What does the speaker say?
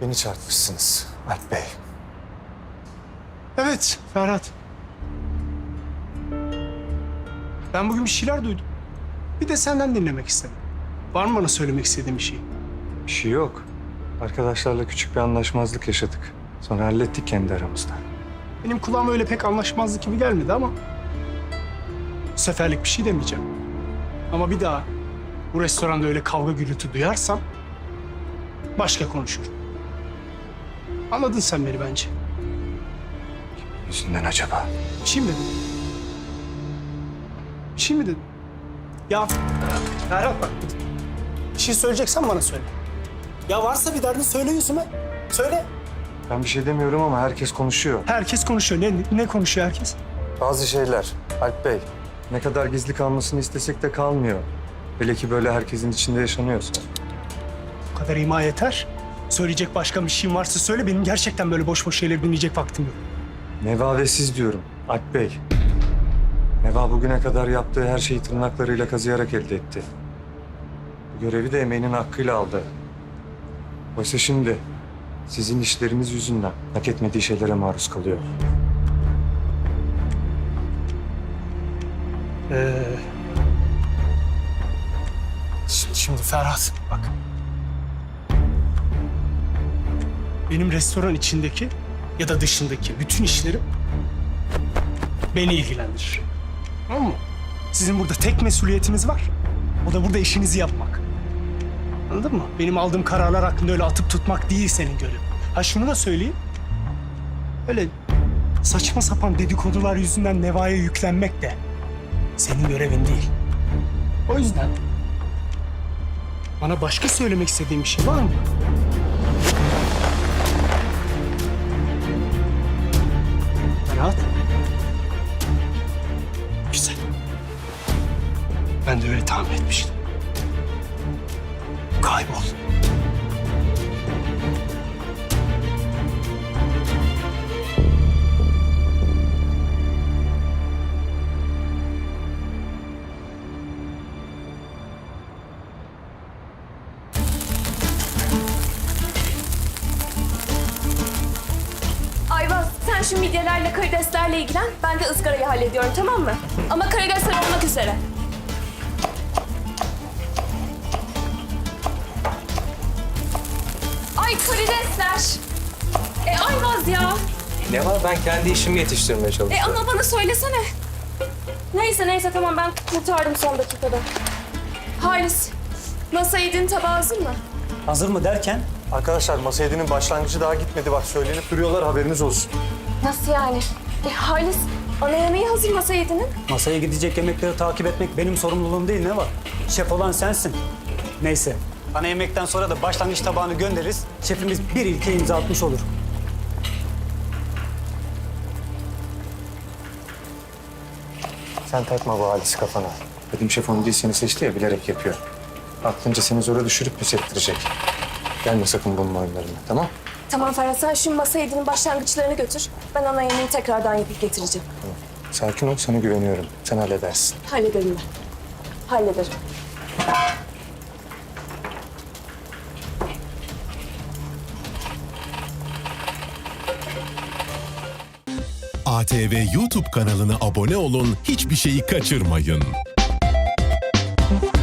Beni çarpmışsınız Alp Bey. Evet Ferhat. Ben bugün bir şeyler duydum. Bir de senden dinlemek istedim. Var mı bana söylemek istediğin bir şey? Bir şey yok. Arkadaşlarla küçük bir anlaşmazlık yaşadık. Sonra hallettik kendi aramızda. Benim kulağıma öyle pek anlaşmazlık gibi gelmedi ama... bu seferlik bir şey demeyeceğim. Ama bir daha bu restoranda öyle kavga gürültü duyarsam... başka konuşurum. Anladın sen beni bence. Yüzünden acaba? Bir şey mi dedim? Bir şey mi dedim? Ya Ferhat bak. Bir şey söyleyeceksen bana söyle. Ya varsa bir derdin söyle yüzüme. Söyle. Ben bir şey demiyorum ama herkes konuşuyor. Herkes konuşuyor. Ne konuşuyor herkes? Bazı şeyler Alp Bey. Ne kadar gizli kalmasını istesek de kalmıyor. Hele ki böyle herkesin içinde yaşanıyorsa. Bu kadar ima yeter. Söyleyecek başka bir şeyin varsa söyle. Benim gerçekten böyle boş boş şeyleri dinleyecek vaktim yok. Neva ve siz diyorum Alp Bey. Neva bugüne kadar yaptığı her şeyi tırnaklarıyla kazıyarak elde etti. Bu görevi de emeğinin hakkıyla aldı. Oysa şimdi sizin işleriniz yüzünden hak etmediği şeylere maruz kalıyor. Şimdi Ferhat bak. Benim restoran içindeki ya da dışındaki bütün işlerim beni ilgilendirir. Tamam mı? Sizin burada tek mesuliyetiniz var. O da burada işinizi yapmak. Anladın mı? Benim aldığım kararlar hakkında öyle atıp tutmak değil senin görevin. Ha şunu da söyleyeyim. Öyle saçma sapan dedikodular yüzünden Neva'ya yüklenmek de senin görevin değil. O yüzden bana başka söylemek istediğin bir şey var mı? Ferhat. Güzel. Ben de öyle tahmin etmiştim. Kaybol. Ayvaz, sen şu midyelerle karideslerle ilgilen. Ben de ızgarayı hallediyorum, tamam mı? Ama karidesler olmak üzere. Ay karidesler. Ayvaz ya. Ne var? Ben kendi işimi yetiştirmeye çalışıyorum. Ama bana söylesene. Neyse tamam ben kurtardım son dakikada. Halis, masa yediğin tabağı hazır mı? Hazır mı derken? Arkadaşlar masa yediğinin başlangıcı daha gitmedi. Bak söylenip duruyorlar, haberiniz olsun. Nasıl yani? Halis, ana yemeği hazır masa yediğinin. Masaya gidecek yemekleri takip etmek benim sorumluluğum değil, ne var? Şef olan sensin. Neyse, ana yemekten sonra da başlangıç tabağını göndeririz. Şefimiz bir ilke imza atmış olur. Sen takma bu Halis'i kafana. Dedim şef onu değil seni seçti ya, bilerek yapıyor. Aklınca seni zora düşürüp pes ettirecek. Gelme sakın bunun oyunlarına, tamam? Tamam Ferhat, sen şu masa yediğinin başlangıçlarını götür. Ben ana yemeği tekrardan yapıp getireceğim. Sakin ol, sana güveniyorum. Sen halledersin. Hallederim ben. Hallederim. ATV YouTube kanalına abone olun, hiçbir şeyi kaçırmayın.